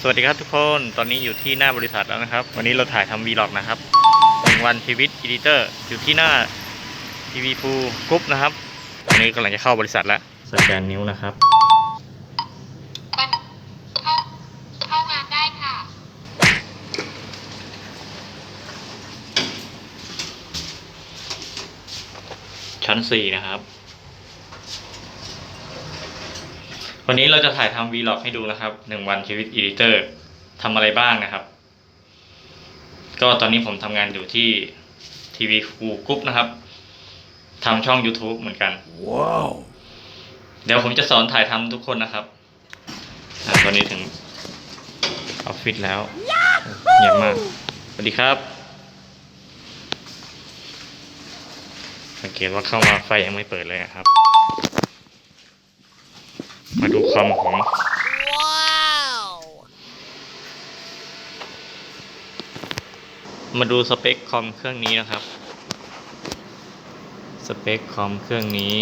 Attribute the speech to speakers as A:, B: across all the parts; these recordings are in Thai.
A: สวัสดีครับทุกคนตอนนี้อยู่ที่หน้าบริษัทแล้วนะครับวันนี้เราถ่ายทำวีล็อกนะครับ1 วันชีวิตอีดิเตอร์อยู่ที่หน้าทีวีพูกรุ๊ปนะครับวันนี้กำลังจะเข้าบริษัทแล้วสแกนนิ้วนะครับ
B: เข้างานได้ค่ะ
A: ชั้น4นะครับวันนี้เราจะถ่ายทำวีล็อกให้ดูนะครับ1 วันชีวิตอีดิเตอร์ทำอะไรบ้างนะครับก็ตอนนี้ผมทำงานอยู่ที่ทีวีฟูกรุ๊ปนะครับทำช่อง YouTube เหมือนกันว้าวเดี๋ยวผมจะสอนถ่ายทำทุกคนนะครับตอนนี้ถึงออฟฟิศแล้วเงียบมากสวัสดีครับสังเกตว่าเข้ามาไฟยังไม่เปิดเลยครับมาดูคอมผมมาดูสเปคคอมเครื่องนี้นะครับสเปคคอมเครื่องนี้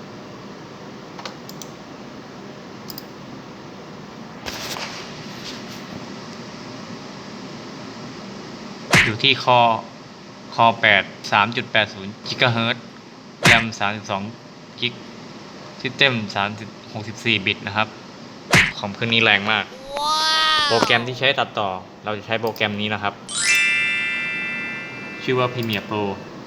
A: อยู่ที่คอ8 3.80 GHz แรม32 กิกซิสเต็ม64 บิตนะครับคอมเครื่องนี้แรงมากโปรแกรมที่ใช้ตัดต่อเราจะใช้โปรแกรมนี้นะครับชื่อว่า Premiere Pro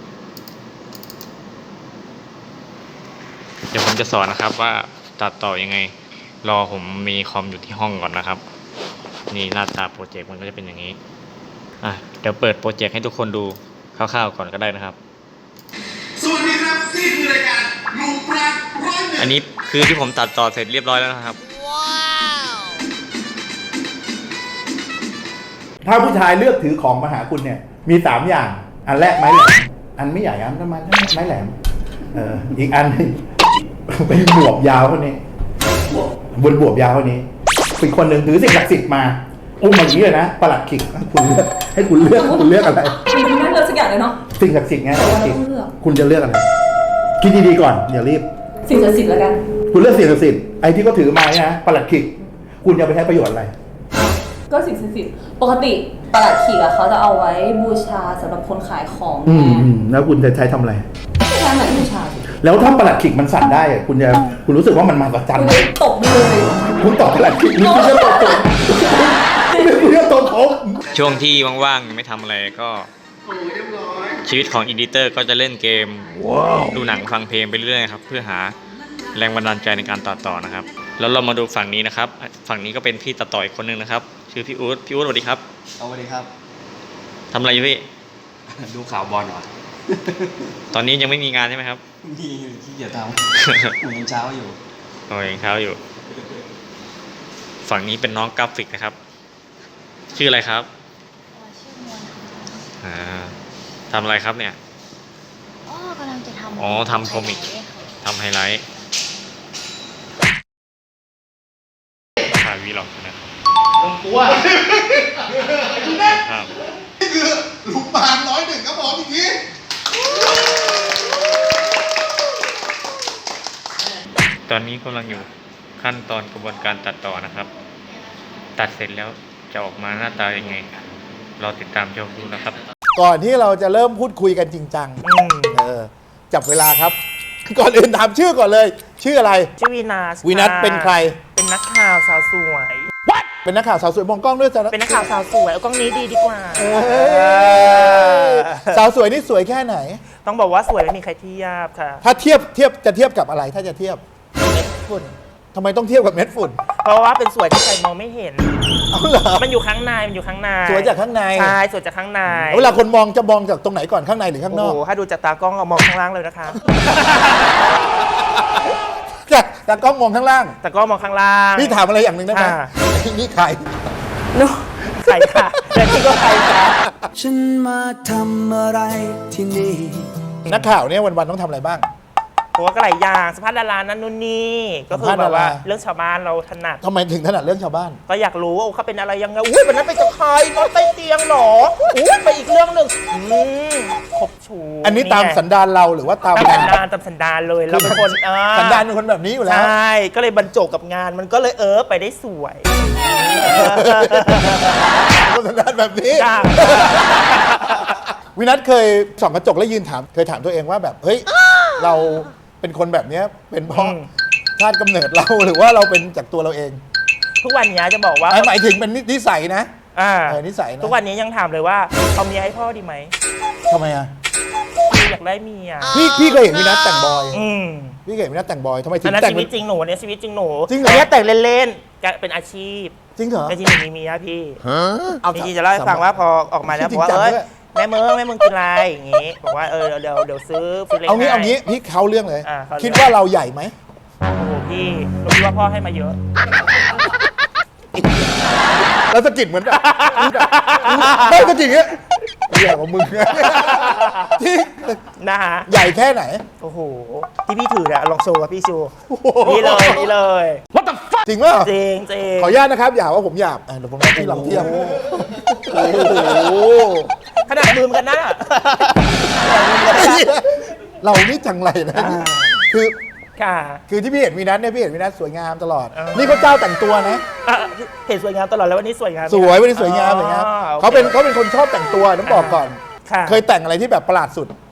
A: เดี๋ยวผมจะสอนนะครับว่าตัดต่อยังไงรอผมมีคอมอยู่ที่ห้องก่อนนะครับนี่หน้าตาโปรเจกต์มันก็จะเป็นอย่างนี้เดี๋ยวเปิดโปรเจกต์ให้ทุกคนดูคร่าวๆก่อนก็ได้นะครับ
C: สวัสดีครับนี่คือรายการลุงปราณ101
A: อันนี้คือที่ผมตัดต่อเสร็จเรียบร้อยแล้วนะครับ
D: ถ้าผู้ชายเลือกถือของมาหาคุณเนี่ยมี3 อย่างอันแรกไม้แหลมอันไม่ใหญ่อันประมาณไม้แหลมอีกอันนึงเป็นบวบยาวเท่านี้บนบวบยาวเท่านี้อีกคนหนึ่งถือสิ่งศักดิ์สิทธิ์มาอุ้มมาอย่างนี้เลยนะประหลัดขิกคุณเลือกให้คุณเลือกอะไรคุณไม่เลือก
B: สักอย่างเลยเนาะ
D: สิ่งศักดิ์สิทธิ์ไงคุณจะเลือกอะไรคิดดีๆก่อนอย่ารีบ
B: สิ่งศักดิ์สิทธิ์แล้วกัน
D: คุณเลือกสิ่งศักดิ์สิทธิ์ไอ้ที่เขาถือมาเนี่ยนะประหลัดขิกคุณจะไปใช้ประโยชน์อะไร
B: ก็สิ่งศักดิ์สิทธิ์ปกติประหลัดขีกเขาจะเอาไว้บูชาสำหรับคนขายของ
D: แล้วคุณจะใช้ทำอะไร
B: ไม่ใช่ไหนบูชา
D: แล้วถ้าประหลัดขิกมันสั่นได้คุณรู้สึกว่ามันมาประจัน
B: ตบเลย
D: คุณตอบประหลัดขิกคุณจะตบคุณจะตบผม
A: ช่วงที่ว่างๆไม่ทำอะไรก็ชีวิตของอีดิเตอร์ก็จะเล่นเกมดูหนังฟังเพลงไปเรื่อยๆครับเพื่อหาแรงบันดาลใจในการตัดต่อนะครับแล้วเรามาดูฝั่งนี้นะครับฝั่งนี้ก็เป็นพี่ตัดต่ออีกคนนึงนะครับชื่อพี่อู๊ดสวัสดีครับ
E: สวัสดีครับ
A: ทำอะไรอยู่พี่
E: ดูข่าวบอลหน่อย
A: ตอนนี้ยังไม่มีงานใช่ไหมครับ
E: มีขี้เกียจทำยังเช้าอยู่
A: ยังเช้าอยู่ฝั่งนี้เป็นน้องกราฟิกนะครับชื่ออะไรครับ
F: ชื่อมวล
A: ทำอะไรครับเนี่ย
F: กำลังจะทำ
A: ทำคอมิกทำไฮไลท์ถ่ายวีล็อกนะครับ
C: ลงตัวนี่คือลุงปราณ101ครับผมอีกที
A: ตอนนี้กำลังอยู่ขั้นตอนกระบวนการตัดต่อนะครับตัดเสร็จแล้วจะออกมาหน้าตายังไงรอติดตามชมดูนะครับ
D: ก่อนที่เราจะเริ่มพูดคุยกันจริงจังจับเวลาครับก่อนอื่นถามชื่อก่อนเลยชื่ออะไร
G: ชื่อวีนัส
D: เป็นใคร
G: เป็นนักข่าวสาวสวย
D: เป็นนักข่าวสาวสวยมองกล้องด้วยจ้ะ
G: เป็นนักข่าวสาวสวยเอากล้องนี้ดีกว่า
D: สาวสวยนี่สวยแค่ไหน
G: ต้องบอกว่าสวยไม่มีใครเทียบค่ะ
D: ถ้าเทียบจะเทียบกับอะไรถ้าจะเทียบ
G: เม็ดฝุ่น
D: ทำไมต้องเทียบกับเม็ดฝุ่น
G: เพราะว่าเป็นสวยที่ใครมองไม่เห็น
D: เหรอ
G: มันอยู่ข้างใน
D: สวยจากข้างใน
G: ใช่สวยจากข้างใน
D: เวลาคนมองจะมองจากตรงไหนก่อนข้างในหรือข้างนอก
G: โอ้ถ้าดูจากตากล้องเรามองข้างล่างเลยนะคะ
D: ตากล้องมองข้างล่าง
G: ตากล้องมองข้างล่าง
D: พี่ถามอะไรอย่างหนึ่งได้ไหมนี่ใคร
G: ใครค่ะแต่ที่ก็ใครค่ะ
E: ฉันมาทำอะไรที่นี่
D: นักข่าวเนี่ยวันๆต้องทำอะไรบ้าง
G: ตัวก็หลายอย่างสัมภาษณ์ดารานั่นนู่นนี่ก็คือแบบว่าเรื่องชาวบ้านเราถนัด
D: ทำไมถึงถนัดเรื่องชาวบ้าน
G: ก็อยากรู้ว่าเขาเป็นอะไรยังไงอุ้ยวันนั้นไปกับใครนอนใต้เตียงหรออุ้ยไปอีกเรื่องหนึ่งครบชู
D: อันนี้ตามสันดานเราหรือว่าตาม
G: ตามสันดานตามสันดานเลยเราเป็นคน
D: สันดานเป็นคนแบบนี้อยู่แล้ว
G: ใช่ก็เลยบรรจบกับงานมันก็เลยไปได้สวย
D: คนสันดานแบบนี้
G: จ้า
D: วินัทเคยส่องกระจกแล้วยืนถามเคยถามตัวเองว่าแบบเฮ้ยเราเป็นคนแบบเนี้ยเป็นเพราะชาติกำเนิดเราหรือว่าเราเป็นจากตัวเราเอง
G: ทุกวันนี้จะบอกว่า
D: หมายถึงเป็นนิสัยนะ นิสัยนะ
G: ทุกวันนี้ยังถามเลยว่าเอาเมียให้พ่อดีไหม
D: ทำไมอ่ะ
G: พี่อยากได้เมีย
D: พี่เคยเห็นวินัทแต่งบอย
G: ม
D: พี่เคยเห็นวินัทแต่งบอยทำไมถึ
G: อัน
D: ง
G: นั้น
D: แต่ง
G: ชีวิตจริงหนูเนี่ยชีวิตจริงหนู
D: จริงเหรอ
G: อันนี้แต่งเล่นๆจะเป็นอาชีพ
D: จริงเหรอ
G: แต่จริงหนูมีเมียพี่
D: เอา
G: จริงๆจะเล่าให้ฟังว่าพอออกมาแล้ว
D: จริ
G: บ
D: ง
G: อกว่า
D: จัง
G: เอ้ย
D: ด้วย
G: แม่เมืองกินอะไรอย่างงี้บอกว่าเดี๋ยวซื้อเล็ก
D: เอางี้
G: ให้
D: เอางี้พี่เขาเรื่องเลย
G: เขาเรื่อง
D: คิดว่าเราใหญ่ไหม
G: โอ้โหพี่เราคิดว่าพ่อให้มาเยอะ
D: แล้วสะกิดเหมือนแบบไม่สะกิดเงี้ยใหญ่กว่ามึงที่
G: นะฮะ
D: ใหญ่แค่ไหน
G: โอ้โหที่พี่ถือเนี่ยลองโชว์กับพี่โชว์นี่เลย
D: จริงป่ะ
G: จริง
D: ขออนุญาตนะครับอย่าว่าผมหยาบเดี๋ยวผมให้ที่ลำเทียมโอ้โห
G: ขนาดมือมันกันหน้า
D: เรานี่จังไรนะ คือ
G: ค่ะ
D: คือที่พี่เห็นวีนัทเนี่ยพี่เห็นวีนัทสวยงามตลอด
G: เออ
D: นี่เขาเจ้าแต่งตัวนะ
G: เห็นสวยงามตลอดแล้ววันนี้สวยงามไหม
D: สวยวันนี้สวยงามเลยครับ
G: อ๋อโอค
D: เขาเป็นคนชอบแต่งตัวต้องบอกก่อน
G: ค่ะ
D: เคยแต่งอะไรที่แบบประหลาดสุด